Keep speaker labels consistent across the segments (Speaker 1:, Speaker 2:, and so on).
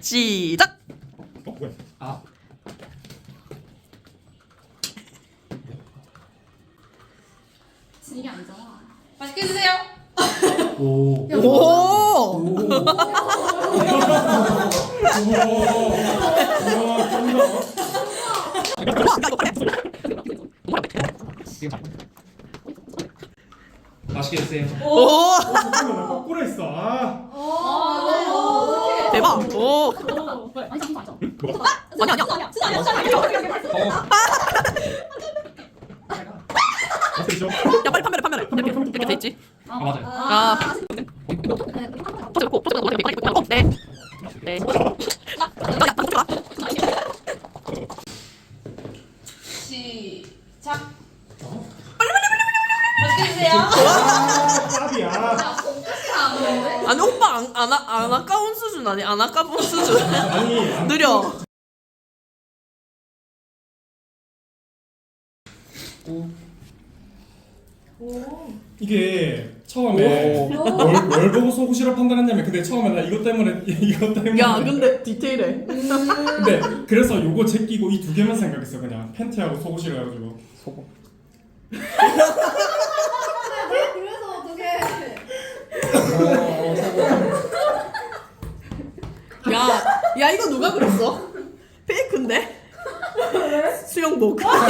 Speaker 1: 시작.
Speaker 2: 뭐야? 아.
Speaker 3: 이게 안 좋아. 맛있게 드세요.
Speaker 2: 오.
Speaker 1: 오.
Speaker 2: 맛있게 드세요.
Speaker 1: 오.
Speaker 2: 잠깐만 나 거꾸로 했어. 아.
Speaker 3: 맞아요.
Speaker 1: 대박. 오.
Speaker 3: 아니 진짜 아니죠.
Speaker 1: 아니야.
Speaker 2: 어떻게죠?
Speaker 1: 야 빨리 판매래. 이렇게 돼 있지.
Speaker 2: 아 맞아요.
Speaker 1: 아. 포즈 놓고 네. 네.
Speaker 3: 시작. 맛있게 드세요.
Speaker 2: 짭이야.
Speaker 3: 야, 손끝이 안 오는데?
Speaker 1: 아니 오빠 안 아까운 수준 아니 안 아까운 수준.
Speaker 2: 아니.
Speaker 1: 느려.
Speaker 2: 이게 처음에 뭘 보고 속옷이라 판단했냐면 근데 처음에 나 이것 때문에
Speaker 1: 야 근데 디테일해.
Speaker 2: 근데 그래서 요거 제끼고 이 두 개만 생각했어 그냥 팬티하고 속옷이라 해가지고 속옷
Speaker 4: 그래서 어떻게
Speaker 1: 야 이거 누가 그렸어? 페이크인데? 수영복.
Speaker 4: 아니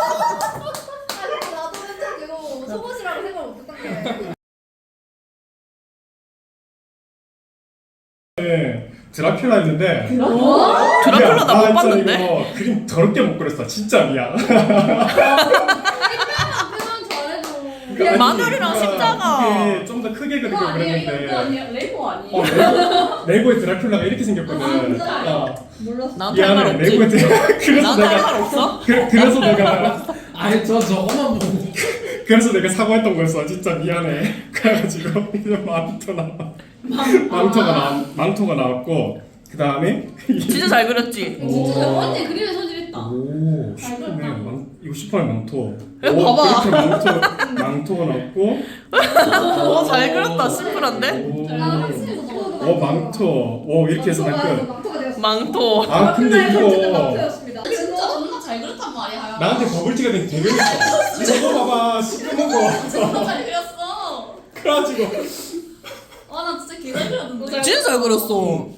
Speaker 4: 나도 맨날 이거 속옷이라고 생각 못했던 게
Speaker 2: 네, 드라큘라였는데
Speaker 1: 드라큘라 나 못 봤는데?
Speaker 2: 이거 그림 더럽게 못 그렸어 진짜 미안
Speaker 4: 표현 잘해줘.
Speaker 1: 마늘이랑 십자가.
Speaker 2: 이게 좀 더 크게 그리고
Speaker 3: 그거 아니에요? 이거
Speaker 2: 그랬는데
Speaker 3: 그거 아니에요? 레고 아니에요?
Speaker 2: 레고의 드라큘라가 이렇게 생겼거든
Speaker 3: 아, 진짜요?
Speaker 4: 몰랐어.
Speaker 1: 나한테 할 말
Speaker 2: 미안해
Speaker 1: 없지.
Speaker 2: 레고의 그래서
Speaker 1: 나한테 할
Speaker 2: 내가
Speaker 1: 말 없어?
Speaker 2: 그래서 내가
Speaker 5: 아니 저 저거만 보고
Speaker 2: 그래서 내가 사과했던 거였어 진짜 미안해 그래가지고 이제 망토가 나왔고 그 다음에
Speaker 1: 진짜 잘 그렸지.
Speaker 3: 진짜 언니 그림에 소질있다.
Speaker 2: 오
Speaker 3: 잘
Speaker 2: 슈퍼맨
Speaker 3: 그렸다.
Speaker 2: 이거 슈퍼맨 망토
Speaker 1: 이거 봐봐.
Speaker 2: 이렇게 망토가 나왔고
Speaker 1: 잘 그렸다. 심플한데?
Speaker 3: 아, 확실히 너무
Speaker 2: 오 망토 오 이렇게 해서
Speaker 4: 망토가
Speaker 2: 난 끝.
Speaker 4: 망토가 되었어.
Speaker 1: 망토.
Speaker 2: 아 근데 이거
Speaker 4: 망토였습니다.
Speaker 3: 진짜 존나 잘 그렸단 말이야.
Speaker 2: 나한테 버블티가 된 되게 있어 이거 봐봐 시커먼 거
Speaker 3: 존나 잘 그렸어.
Speaker 2: 그래가지고
Speaker 3: 와, 나 진짜 개잘 그렸는데.
Speaker 1: 진짜 잘 그렸어.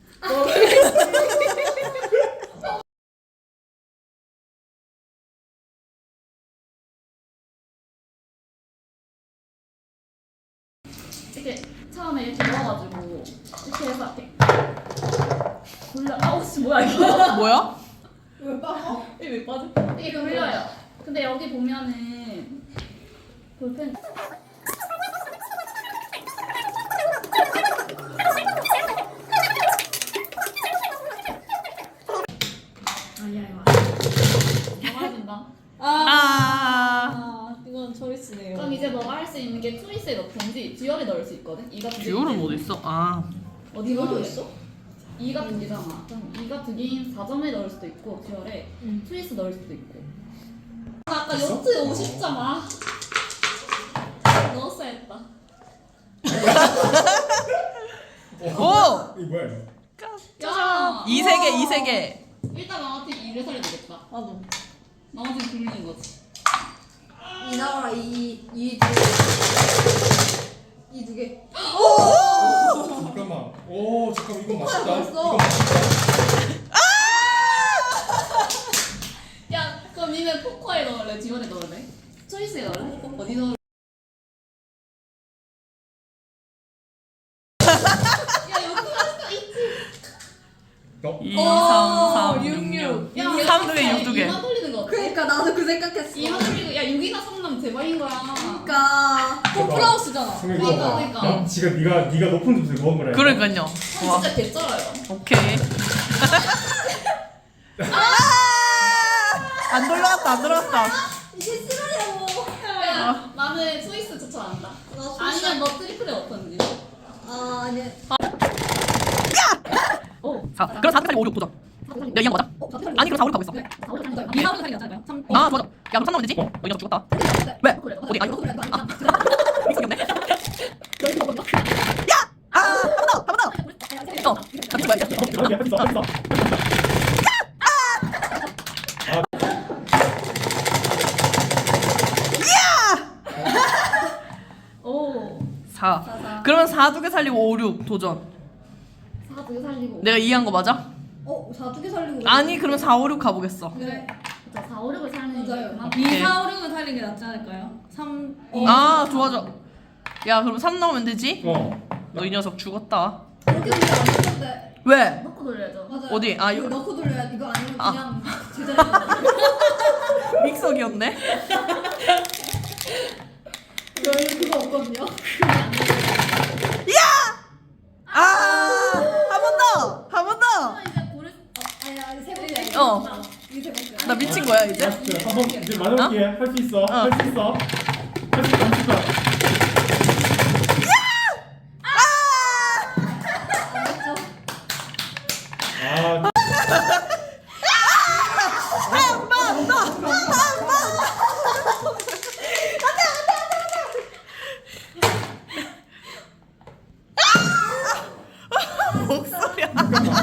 Speaker 3: 이렇게 처음에 이렇게 넣어가지고 이렇게 해서 이렇게 돌려. 아우 씨 뭐야 이거?
Speaker 1: 뭐야?
Speaker 4: 왜 빠져?
Speaker 3: 이게 왜 빠져? 이게 돌려요. 근데 여기 보면은 볼펜. 아니야 이거. 먹어야 된다.
Speaker 1: 아.
Speaker 4: 이건 초이스네요.
Speaker 3: 그럼 이제 너가 할 수 있는 게 트위스에 넣든지 듀얼에 넣을 수 있거든. 이가 두
Speaker 1: 듀얼은
Speaker 3: 개인데.
Speaker 1: 어디 있어? 아.
Speaker 3: 어디 넣어 있어? 이가 두 개잖아. 그럼 이가 두 개인 4점에 넣을 수도 있고 듀얼에 트위스 넣을 수도 있고. 아, 아까 요트 50점 아. 넣었어야 했다.
Speaker 1: 오.
Speaker 2: 이거 뭐야 이거
Speaker 3: 야,
Speaker 1: 이 세 개.
Speaker 3: 일단 나한테 2를 살려야 되겠다.
Speaker 4: 맞아.
Speaker 3: 나머지는 굴리는 거지.
Speaker 4: 이 나와라 이 두 개.
Speaker 2: 잠깐만 오 잠깐 이거 맛있다
Speaker 4: 벌써.
Speaker 2: 이거 맛있다
Speaker 3: 야, 그럼 니네 포커에 넣을래? 듀얼에 넣을래? 트위스에 넣을래? 어디 넣을래? 야, 요트 맛있다. 있지?
Speaker 1: 2, 3, 6, 6.
Speaker 3: 야,
Speaker 1: 3 두 개, 6 두 개.
Speaker 3: 2만 돌리는 거 어때?
Speaker 4: 그러니까 나도 그 생각했어.
Speaker 3: 2만 돌리고 야 6이나 3나면 대박인 거야.
Speaker 4: 그러니까 홈플라우스잖아.
Speaker 3: 그러니까.
Speaker 2: 지금 네가 높은 점수를 먹은 거래
Speaker 1: 그러니까요. 와.
Speaker 3: 진짜 개쩔어요.
Speaker 1: 오케이. 안 돌아갔다.
Speaker 4: 이게 싫어요.
Speaker 3: 야, 나는 스위스 추천한다.
Speaker 4: 나 소스.
Speaker 3: 아니면 너 트리플에 어떤지.
Speaker 4: 아 아니.
Speaker 1: 자, 그럼 4, 4, 5, 6 보자. 야, 이양 맞아? 아니, 그럼 4, 5, 6 가고 있어.
Speaker 3: 2만 살이 낫잖아요.
Speaker 1: 아, 좋아. 야, 그럼 3 나오면 되지? 너 이냥 죽었다. 왜? 어디? 아니, 아. 미성이 없네. 야! 아, 한 번 더! 어, 아, 뭐야, 이거.
Speaker 2: 오케이 했어.
Speaker 3: 오.
Speaker 1: 4. 그러면 4 두 개 살리고 5, 6 도전.
Speaker 3: 4 두 개 살리고.
Speaker 1: 내가 이해한 거 맞아?
Speaker 4: 어, 4두 개 살리고.
Speaker 1: 아니 그러면 4, 5, 6 가보겠어.
Speaker 4: 그래.
Speaker 3: 자, 4, 5, 6을 살리는 게
Speaker 4: 맞아요.
Speaker 3: 그만.
Speaker 6: 2, 4, 5, 6을 살리는 게 낫지 않을까요? 3, 2,
Speaker 1: 아 좋아 좋아. 야 그럼 3 나오면 되지?
Speaker 2: 어.
Speaker 1: 너 이 녀석 죽었다.
Speaker 4: 그렇게 돌려 안 되는데.
Speaker 1: 왜?
Speaker 3: 넣고 돌려야죠.
Speaker 4: 맞아요.
Speaker 1: 어디? 아,
Speaker 4: 이거
Speaker 1: 이거-
Speaker 4: 넣고 돌려야 이거 아니면
Speaker 1: 아.
Speaker 4: 그냥 제자리에.
Speaker 1: 믹서기였네.
Speaker 4: 여기 그거 없거든요.
Speaker 1: 아! 한 번 더! 한 번 더!
Speaker 3: 이제 고를
Speaker 4: 아니 세 번째.
Speaker 1: 어.
Speaker 4: 이게 세 번째.
Speaker 1: 나 미친 거야 이제?
Speaker 2: 라스트 한번 이제 마지막 기회 할 수 있어. 할 수 있어. 할 수 있어. 아.
Speaker 1: 목소리야.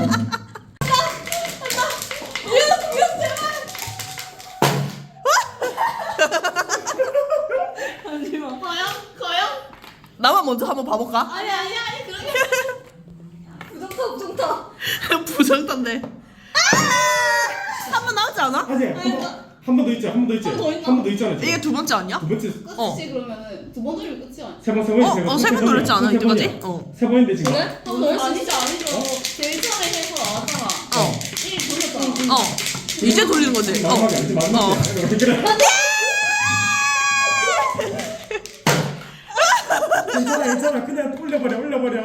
Speaker 6: 잠시만.
Speaker 3: 과연?
Speaker 1: 나만 먼저 한번 봐볼까?
Speaker 3: 아니 그렇게.
Speaker 4: 부정타.
Speaker 1: 부정탄데. 한 번 나오지 않아?
Speaker 2: 아직 한 번 더 있지. 한 번 더 있지.
Speaker 3: 한번더 있나?
Speaker 2: 한 번 더 있잖아. 지금.
Speaker 1: 이게 두 번째 아니야?
Speaker 2: 두 번째
Speaker 1: 어.
Speaker 3: 끝이 그러면은 두 번 돌리면 끝이 아니야.
Speaker 2: 세 번이지.
Speaker 1: 세 번 돌렸지 않아 이때까지? 어.
Speaker 2: 세 번인데 지금.
Speaker 3: 그래? 한번 더 아니죠. 제일 처음에 해서 나왔잖아.
Speaker 1: 어.
Speaker 3: 1 돌렸잖아.
Speaker 1: 어. 이제 돌리는 거지. 어.
Speaker 2: 마지막에 아니지 마지막에. 그래. 괜찮아. 그냥 올려버려.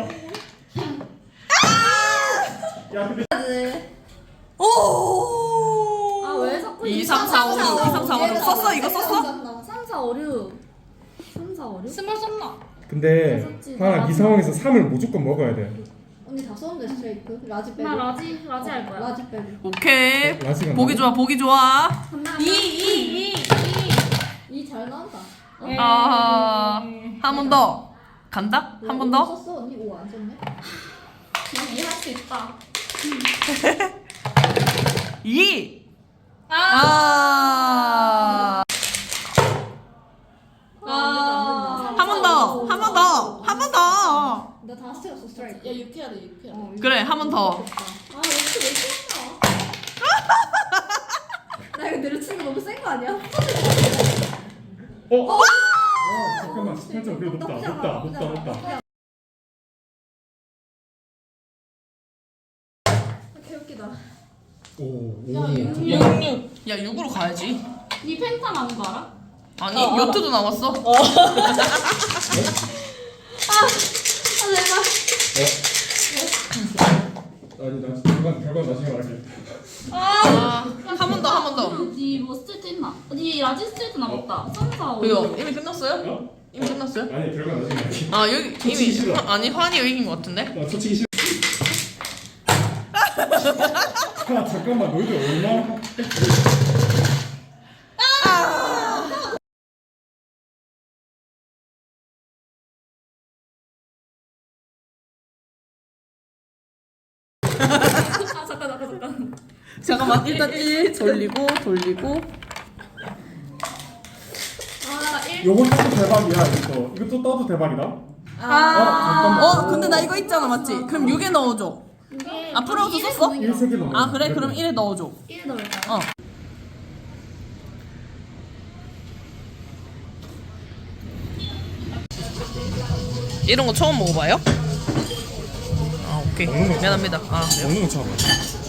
Speaker 2: 야 근데
Speaker 1: 오.
Speaker 3: 아, 왜 자꾸
Speaker 1: 2, 3, 4, 5, 6, 2, 3, 4, 5, 6 썼어? 이거 썼어?
Speaker 3: 3, 4, 5, 6. 3, 4, 5, 6?
Speaker 6: 스몰 썼나?
Speaker 2: 근데 하나 이 상황에서 3을 무조건 먹어야 돼.
Speaker 4: 언니 다 썼는데 스트레이크. 라지 빼고.
Speaker 3: 나 라지 할 거야.
Speaker 4: 라지 빼고.
Speaker 1: 오케이.
Speaker 2: 라지가
Speaker 1: 보기 좋아 보기 좋아.
Speaker 6: 2
Speaker 4: 이 잘 나온다.
Speaker 1: 아. 한 번 더. 간다? 한 번 더?
Speaker 4: 썼어 언니 5 안 썼네.
Speaker 3: 난 이해할 수 있다.
Speaker 1: 2. 아. 한 번 더. 한 번 더. 한 번 더.
Speaker 4: 나 다 스트레이크 스트레이크.
Speaker 3: 야, 6 해야 돼, 6 해야 돼.
Speaker 1: 그래 한 번 더.
Speaker 3: 아, 이렇게 왜 이렇게
Speaker 4: 나 이거 내려치는 거 너무 센 거 아니야?
Speaker 2: 잠깐만 18점 그래 높다.
Speaker 4: 개웃기다.
Speaker 2: 오.
Speaker 3: 야, 6.
Speaker 1: 야 6으로 가야지.
Speaker 3: 니 펜타 나온 거 알아?
Speaker 1: 아니 요트도 나왔어.
Speaker 3: 아, 내가.
Speaker 2: 아니 나 결과 나중에 말할게.
Speaker 1: 한 번 더. 한 번 더.
Speaker 3: 니뭐 스트레이트 있나? 니 라지 스트레이트 남았다. 3, 4, 5,
Speaker 1: 이거
Speaker 3: 6.
Speaker 1: 이미 끝났어요?
Speaker 2: 어?
Speaker 1: 이미 끝났어요?
Speaker 2: 아니 결과 나중에 말할게.
Speaker 1: 아 여기
Speaker 2: 솔직히
Speaker 1: 이미
Speaker 2: 싫어.
Speaker 1: 아니 환이가 이긴 것 같은데?
Speaker 2: 나 솔직히 싫어. 야 잠깐만 너희들 얼마나
Speaker 3: 아, 잠깐.
Speaker 1: 잠깐만 일단 1 돌리고
Speaker 2: 요거 따도 대박이야 이것도 따도 대박이다. 잠깐만.
Speaker 1: 근데 나 이거 있잖아 맞지? 그럼 6에 넣어줘. 아 프로우스 썼어?
Speaker 2: 1세개 넘어.
Speaker 1: 아 그래? 그럼 1에 넣어줘.
Speaker 3: 1 넣을까?
Speaker 1: 어. 이런 거 처음 먹어봐요? 아 오케이
Speaker 2: 먹는 거
Speaker 1: 미안합니다. 아
Speaker 2: 먹는 거 처음.